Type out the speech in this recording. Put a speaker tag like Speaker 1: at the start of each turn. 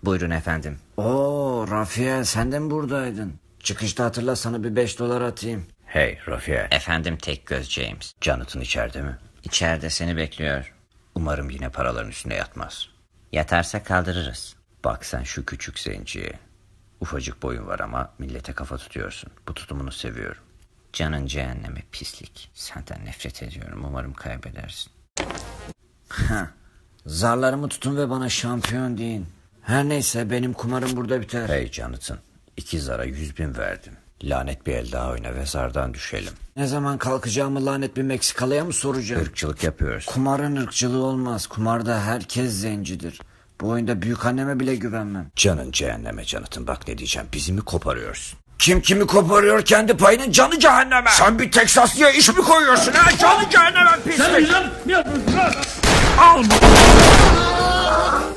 Speaker 1: Buyurun efendim.
Speaker 2: Oo Rafael, sen de mi buradaydın? Çıkışta hatırla, sana bir $5 atayım.
Speaker 3: Hey Rafael.
Speaker 1: Efendim Tekgöz James.
Speaker 3: Jonathan içeride mi?
Speaker 1: İçeride seni bekliyor.
Speaker 3: Umarım yine paraların üstüne yatmaz.
Speaker 1: Yatarsa kaldırırız.
Speaker 3: Bak sen şu küçük zenciye. Ufacık boyun var ama millete kafa tutuyorsun. Bu tutumunu seviyorum.
Speaker 1: Canın cehenneme pislik. Senden nefret ediyorum. Umarım kaybedersin.
Speaker 2: Zarlarımı tutun ve bana şampiyon deyin. Her neyse, benim kumarım burada biter.
Speaker 3: Hey Jonathan. 2 zara 100.000 verdim. Lanet bir el daha oyna ve zardan düşelim.
Speaker 2: Ne zaman kalkacağımı lanet bir Meksikalıya mı soracağım?
Speaker 3: Irkçılık yapıyorsun.
Speaker 2: Kumarın ırkçılığı olmaz. Kumarda herkes zencidir. Bu oyunda büyükanneme bile güvenmem.
Speaker 3: Canın cehenneme Jonathan, bak ne diyeceğim, bizi mi koparıyorsun?
Speaker 2: Kim kimi koparıyor, kendi payının canı cehenneme.
Speaker 3: Sen bir Teksaslıya iş mi koyuyorsun ha? Canı cehenneme pislik.
Speaker 4: Al!